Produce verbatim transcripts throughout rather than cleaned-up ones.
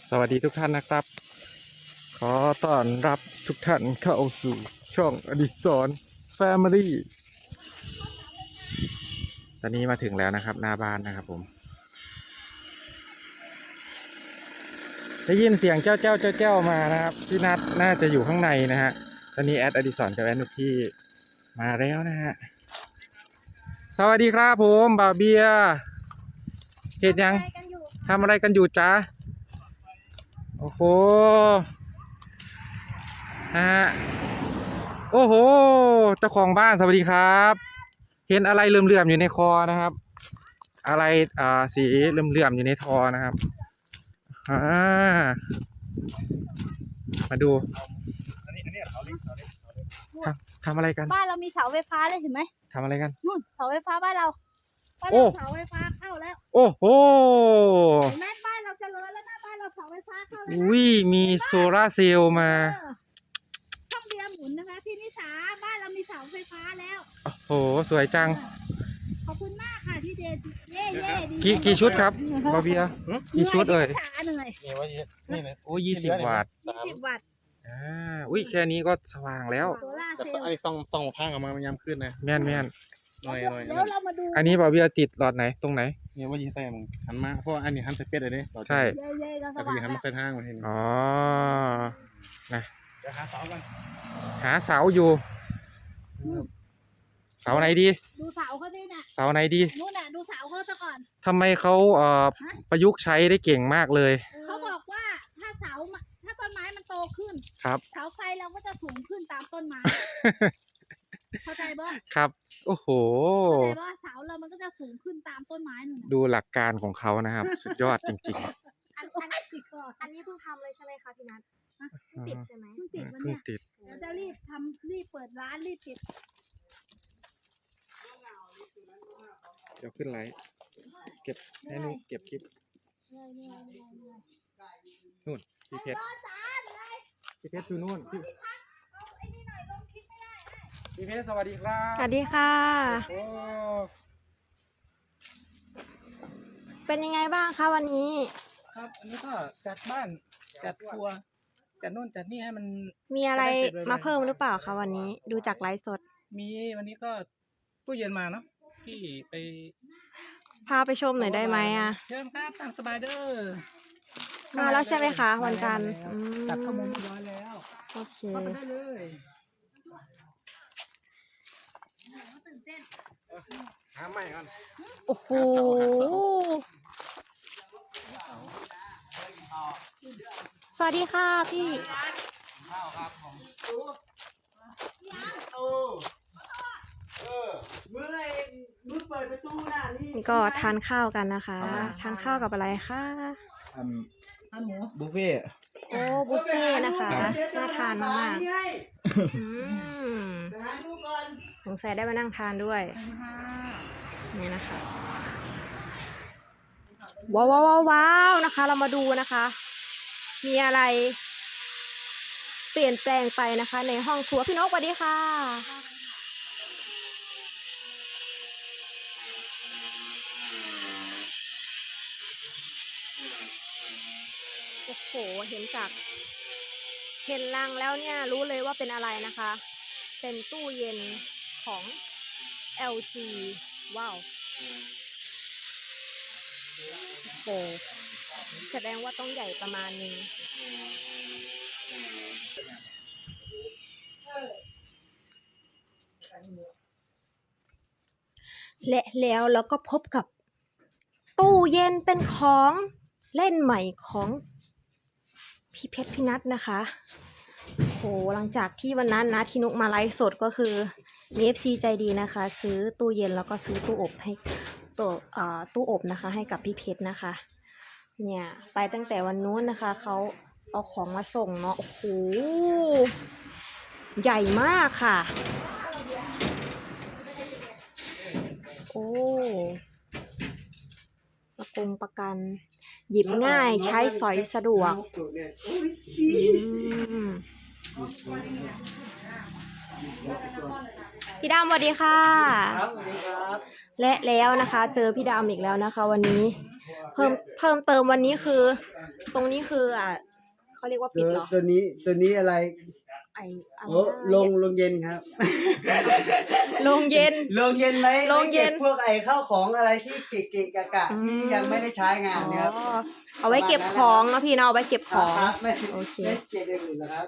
สวัสดีทุกท่านนะครับขอต้อนรับทุกท่านเข้าสู่ช่องอดิศรแฟมิลี่ตอนนี้มาถึงแล้วนะครับหน้าบ้านนะครับผมได้ยินเสียงเจ้าเจ้าเจ้าเจ้ามานะครับพี่นัทน่าจะอยู่ข้างในนะฮะตอนนี้แอดอดิศรกับแอดนุกที่มาแล้วนะฮะสวัสดีครับผมบ่าวเบียร์เห็นยังทำอะไรกันอยู่จ๊ะโอ้โหฮะโอ้โหเจ้าของบ้านสวัสดีครับเห็นอะไรเหลื่อมๆอยู่ในคอนะครับอะไรอ่าสีเหลื่อมๆอยู่ในทอนะครับอ่ามาดูทำทำอะไรกันบ้านเรามีเสาไฟฟ้าเลยเห็นไหมทำอะไรกันนู่นเสาไฟฟ้าบ้านเราบ้านเราเสาไฟฟ้าเข้าแล้วโอ้โหเห็นไหมบ้านเราเจริญแล้วนะบ้านเราเสาไฟฟ้าเข้าแล้วอุ้ยมีโซล่าเซลล์มาช่องเบียร์หมุนนะคะพี่นิสาบ้านเรามีเสาไฟฟ้าแล้วโอ้โหสวยจังขอบคุณมากค่ะที่เดชเย่เย่กี่กี่ชุดครับบาเบียกี่ชุดเอ่ยเหนื่อยนี่ว่านี่เลยโอ้ยี่สิบวัตต์ยี่สิบวัตต์อ่าอุ้ยแค่นี้ก็สว่างแล้วแต่อันนี้ส่องส่องทางออกมามันยามขึ้นนะแม่นแม่นหน่อยหน่อยเดี๋ยวเรามาดูอันนี้บาเบียติดหลอดไหนตรงไหนเนี่ยว่ายีใส่มึงหันมาเพราะอันนี้หันใส่เป็ดเลยเนี่ยใช่แต่พี่หันมาใส่ทางมาทีนี้อ๋อนะเดี๋ยวหาเสากันหาเสาอยู่เสาไหนดีดูเสาเขาดิน่ะเสาไหนดีนู่นน่ะดูเสาเขาซะก่อนทำไมเขาเอ่อประยุกต์ใช้ได้เก่งมากเลยเขาบอกว่าถ้าเสาถ้าต้นไม้มันโตขึ้นครับเสาไฟเราก็จะสูงขึ้นตามต้นไม้เข้าใจบ่ครับโอ้โหเข้าใจบ่เสาเรามันก็จะสูงขึ้นตามต้นไม้นู่นดูหลักการของเขานะครับสุดยอดจริงๆอันอันนี้ติดก่อนอันนี้เพิ่งทำเลยใช่ไหมคะพี่นัทติดใช่ไหมเพิ่งติดวันเนี้ยเราจะรีบทำรีบเปิดร้านรีบปิดเดี๋ยวขึ้นไลฟ์เก็บให้นุ๊กเก็บคลิปนู่นพี่เพชรพี่เพชรอยู่นู่นพี่เพชรสวัสดีครับสวัสดีค่ะโอ้เป็นยังไงบ้างคะวันนี้ครับอันนี้ก็จัดบ้านจัดครัวจัดนู่นจัดนี่ให้มันมีอะไรมาเพิ่มหรือเปล่าคะวันนี้ดูจากไลฟ์สดมีวันนี้ก็ตู้เย็นมาเนาะที่ไปพาไปชมหน่อยได้ไหมอ่ะเชิญครับตามสบายเด้อมาแล้วใช่ไหมคะวันจันทร์ตัดข้อมูลเรียบร้อยแล้วโอเคเข้าไปได้เลยหาใหม่ก่อนโอ้โหสวัสดีค่ะพี่ข้าวครับผมนี่ก็ทานข้าวกันนะคะทานข้าวกับอะไรคะอันหมูบุฟเฟ่โอ้บุฟเฟ่นะคะน่าทานมากสงสัยได้มานั่งทานด้วยนี่นะคะว้าวว้าวว้าวนะคะเรามาดูนะคะมีอะไรเปลี่ยนแปลงไปนะคะในห้องครัวพี่นกสวัสดีค่ะโอ้โหเห็นจากเห็นลังแล้วเนี่ยรู้เลยว่าเป็นอะไรนะคะเป็นตู้เย็นของ แอล จี ว้าวโอ้แสดงว่าต้องใหญ่ประมาณนึงและแล้วเราก็พบกับตู้เย็นเป็นของเล่นใหม่ของพี่เพชรพี่นัทนะคะโหหลังจากที่วันนั้นนะที่นุกมาไลฟ์สดก็คือมี เอฟ ซี ใจดีนะคะซื้อตู้เย็นแล้วก็ซื้อตู้อบให้ตัวอ่าตู้อบนะคะให้กับพี่เพชรนะคะเนี่ยไปตั้งแต่วันนู้นนะคะเขาเอาของมาส่งเนาะโอ้โหใหญ่มากค่ะโอ้ประกงประกันหยิบง่ายใช้สอยสะดวกพี่ดำสวัสดีค่ะครับสวัสดีครับและแล้วนะคะ เจอพี่ดำอีกแล้วนะคะ วันนี้ เพิ่มเพิ่มเติมวันนี้คือ ตรงนี้คืออ่ะเขาเรียกว่าปิดเหรอตัวนี้ตัวนี้อะไรไออะไรโอ้นะลงลงเย็นครับโรงเย็นลงเย็นไหมโรงเย็นไว้ก็บพวกไอ้ข้าวของอะไรที่เกะๆกะกะที่ยังไม่ได้ใช้งานนะครับอ๋อเอาไว้เก็บของเนาะพี่เนาะเอาไว้เก็บของครับไม่โอเคไม่เก็บอย่างอื่นนะครับ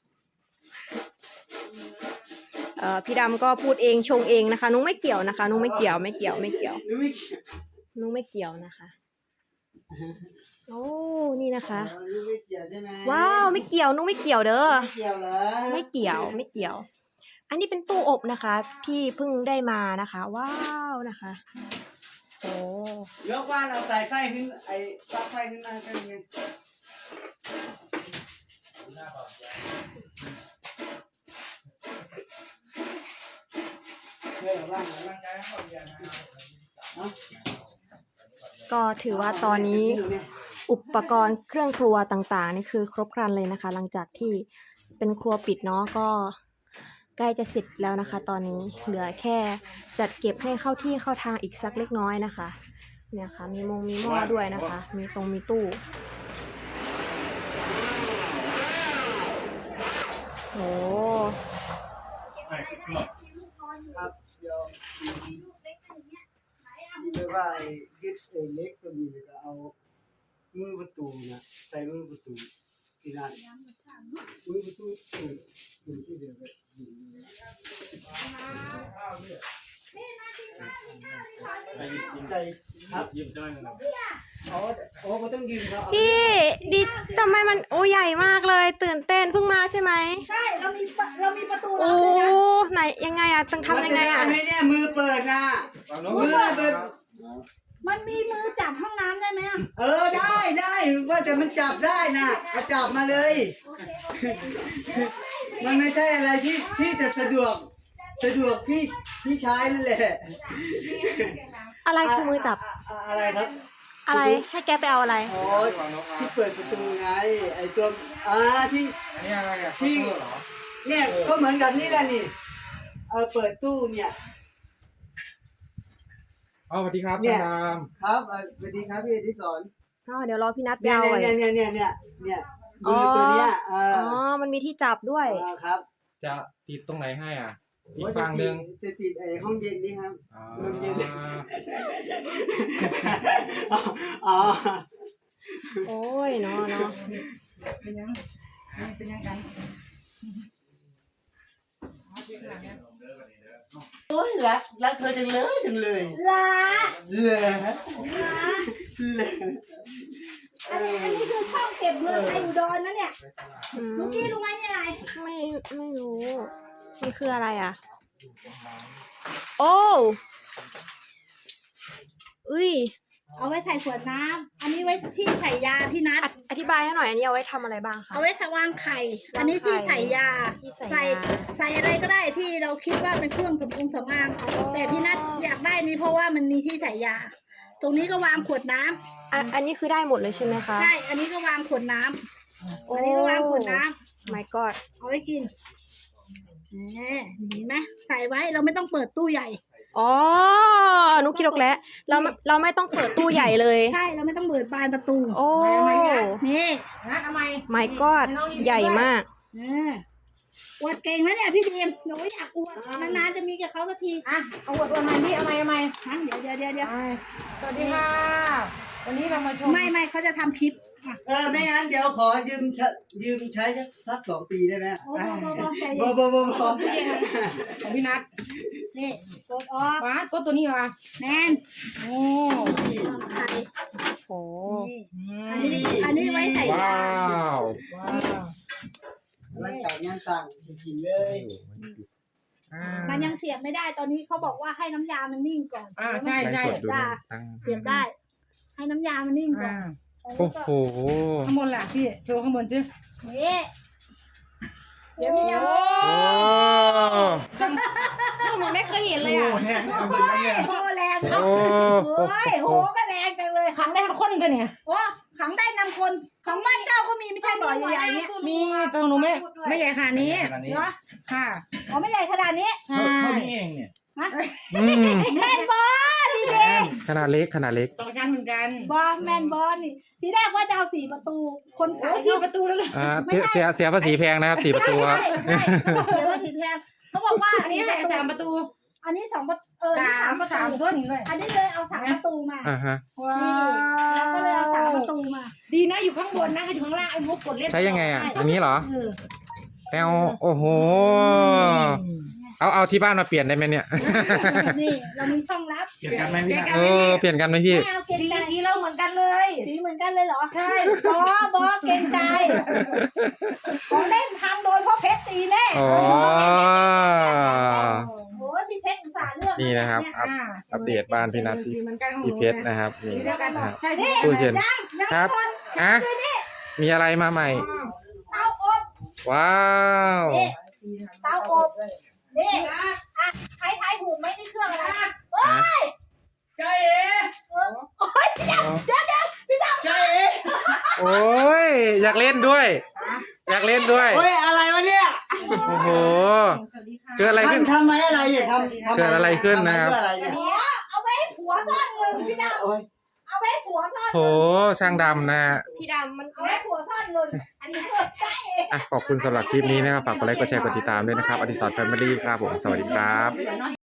เอ่อพี่ดำก็พูดเองชงเองนะคะนุ้งไม่เกี่ยวนะคะนุ้งไม่เกี่ยวไม่เกี่ยวไม่เกี่ยวนุ้ยนุ้งไม่เกี่ยวนะคะ โอ้นี่นะคะอ๋อนุ้ยไม่เกี่ยวใช่ไหมว้าวไม่เกี่ยวนุ้งไม่เกี่ยวเด้อไม่เกี่ยวเหรอไม่เกี่ยวไม่เกี่ยว อันนี้เป็นตู้อบนะคะ ที่เพิ่งได้มานะคะ ว้าวนะคะโอ้ยกว่านเอาสายไฟขึ้นไอ้ปลั๊กไฟขึ้นมากันไงเพื่อนบ้านไหนเอ้าก็ถือว่าตอนนี้อุปกรณ์เครื่องครัวต่างๆนี่คือครบครันเลยนะคะ หลังจากที่เป็นครัวปิดเนาะก็ใกล้จะเสร็จแล้วนะคะ ตอนนี้เหลือแค่จัดเก็บให้เข้าที่เข้าทางอีกสักเล็กน้อยนะคะ เนี่ยค่ะมีมงมีหม้อด้วยนะคะ มีตรงมีตู้โอ้ครับเดี๋ยวที่เรียกว่าไอ้ยึดไอ้เล็กตัวนี้แล้วก็เอามือประตูนะใส่มือประตูที่นั่นมือประตูตูดตูดที่เดียวกันใส่ครับยืมได้ไหมอ๋อโอ้ก็ต้องยืมเขาเอาพี่ดิทำไมมันโอ้ใหญ่มากเลย ตื่นเต้นเพิ่งมาใช่ไหมใช่เรามีปะเรามีประตูลัโอ้บด้วยนะไหนยังไงอะต้องทำยังไงมันจอะด้หมเนี่ยมือเปิดนะมือเปิดมันมีมือจับห้องน้ำได้ไหมอะเออได้ได้ว่าแต่มันจับได้นะเอาจับมาเลยโอเคโอเคมันไม่ใช่อะไรที่ที่จะสะดวกสะดวกที่ที่ใช้นั่นแหละอะไรคือมือจับะะอะไรครับอะไรให้แกไปเอาอะไรอ๋อที่เปิดประตูไงไอตัวอ่าที่อันนี้อะไรอ่ะที่เคาน์เตอร์เหรอเนี่ยก็เหมือนกันนี่แหละนี่เออเปิดตู้เนี่ยอ๋อสวัสดีครับเนี่ท่าย นดามครับเอ่อสวัสดีครับพี่อดิศรอ๋อเดี๋ยวรอพี่นัดไปเนี่ยเอาไว้เนี่ยเนี่ยเนี่ยเนี่ยเนี่ยมือตัวเนี้ยเอออ๋อ มันมีที่จับด้วยเออครับจะติดตรงไหนให้อ่ะ อีกว่าจะฝั่งหนึ่งติดจะติดไอห้องเย็นนี่ครับอ๋อเริ่มเย็น อ๋อโอ้ยเนาะเนาะเป็นยังเป็นยังไงโอ้ยรักรักเธอจังเลยจังเลยลาเลยลาเลยอันนี้อันนี้คือช่องเก็บเงินไออุดรนะเนี่ยอืมลูกกี้รู้ไหมนี่อะไรไม่ไม่รู้ มันคืออะไรอ่ะ โอ้อุ้ยเอาไว้ใส่ขวดน้ำอันนี้ไว้ที่ใส่ยาพี่นัทออธิบายให้หน่อย อันนี้เอาไว้ทำอะไรบ้างคะเอาไว้วางไข่ อันนี้ที่ใส่ยาที่ใส่ใส่ยาใส่อะไรก็ได้ที่เราคิดว่าเป็นเครื่องสำอางสำอางอ๋อแต่พี่นัทอยากได้นี้เพราะว่ามันมีที่ใส่ยา ตรงนี้ก็วางขวดน้ำอันอันนี้คือได้หมดเลยใช่ไหมคะใช่ อันนี้ก็วางขวดน้ำอันนี้ก็วางขวดน้ำไม่กอดเอาไว้กินแหมเห็นไหมใส่ไว้เราไม่ต้องเปิดตู้ใหญ่อ๋อนุกคิดออกแล้ว เราไม่เราไม่ต้องเปิดตู้ใหญ่เลยใช่ เราไม่ต้องเปิดบานประตูโอ้นี่นะทำไมไม่กอดใหญ่มากเอออวดเก่งนะเนี่ยพี่ดีมหนูอยากอวดนานๆจะมีกับเขาสักทีอ่ะเอาอวดอวดใหม่พี่เอาใหม่เอาใหม่ฮะเดี๋ยวเดี๋ยวเดี๋ยวเดี๋ยวสวัสดีค่ะ วันนี้เรามาชมไม่ไม่เขาจะทำคลิปอ่ะเออไม่งั้นเดี๋ยวขอยืมใช้ยืมใช้สักสองปีได้ไหมโอ้โหโอ้โหใจบเย็อน บอบอบอของพี่นัทนี่กดออกว้าก็ตัวนี้มาแมนโอ้ทำไข่โอ้นี่อือันมนี้อันนี้ไว้ใส่ว้ายาวว้าวร่างกายงานสั่งกินเลยอ่ามันยังเสียบไม่ได้ตอนนี้เขาบอกว่าให้น้ำยามันนิ่งก่อนอ่าใช่ใช่ไลฟ์สดดูนะตั้งเสียบได้ ให้น้ำยามันนิ่งก่ออ่านโอ้โหข้างบนล่ะพี่โชว์ข้างบนสินี่เดี๋ยวพี่ดาวโอ้เหมือนไม่เคยเห็นเลยอ่ะโอ้ยโหแรงเขาโอ้โอ้ยโหก็แรงจังเลยทำได้ทุกคนกันเนี่ยโอ้ขังได้นำคนของบ้านเจ้าก็มีไม่ใช่บ่อใหญ่ๆเนี่ยมีตรงหนูไม่ไม่ใหญ่ขนาดนี้ขนาดนี้เหรอค่ะอ๋อไม่ใหญ่ขนาดนี้ใช่เท่านี้เองเนี่ยอืมแมนบอดีเด้ขนาดเล็กขนาดเล็กสองชั้นเหมือนกันบอแมนบอนี่ทีแรกว่าจะเอาสี่ประตู คนโอ้ขายสี่เนาะประตูแล้วเลยอ่าเสียเสียเสียภาษีแพงนะครับสี่ประตูครับใช่ใช่เดี๋ยวว่าผิดแพงเขาบอกว่าอันนี้แหละสามประตูอันนี้สองประเออนี่สาสาม มประสามตูตัวนี้เลยอันนี้เลยเอาสามประตูมาอ่าฮะว้าเราก็เลยเอาสามประตูมาดีนะอยู่ข้างบนนะอยู่ข้างล่างไอ้มุกกดเล่นใช้ยังไงอ่ะ อันนี้เหรอเออแปลวโอ้โห เอาเอาที่บ้านมาเปลี่ยนได้ไหมเนี่ยนี่เรามีช่องลับเกี่ยวกันไหมพี่นะเออเปลี่ยนกันไหมพี่ไม่เอาเกรงสีใจสีเราเหมือนกันเลยสีเหมือนกันเลยเหรอใช่บอบอเกรงใจของเล่นทำโดนเพราะเพชรตีแน่อ๋อโอ้ยพี่เพชรอุตส่าห์เลือกนี่นะครับ อัปอ่าอัปเดตบ้านพี่นัทสีเหมือนกันของหพี่นูเพชรนะครับนี่สีเดียวกันนะครับใช่ใช่ตู้เย็นยังยังครับไม่หมดอ่ะมีอะไรมาใหม่เตาอบว้าวนี่เตาอบนี่อ่ะใครทายถูกไหมนี่เครื่องอะไรโอ้ยใจเอ๋เออโอ้ยพี่ดำเดี๋ยวเดี๋ยวพี่ดำใจเอ๋โอ้ยอยากเล่นด้วย อยากเล่นด้วยเฮ้ยอะไรวะเนี่ยโอ้โหสวัสดีค่ะเกิดอะไรขึ้นทำทำไมอะไรเนี่ยทำทำเกิดอะไรขึ้นนะครับทำไมเพื่ออะไรเนี่ยอ๋อเอาไว้ให้ผัวซ่อนเงินพี่ดโอ้ยำเอาไว้ให้ผัวซ่อนโหเงินช่างดำนะฮะพี่ดำมันเอาไว้ให้ผัวซ่อนเงินอันนี้เกิดใจเองอ่ะขอบคุณสำหรับคลิปนี้นะครับ ฝากกดไลค์กดแชร์กดติดตามด้วยนะครับ อดิศรแฟมิลี่ครับผม สวัสดีครับ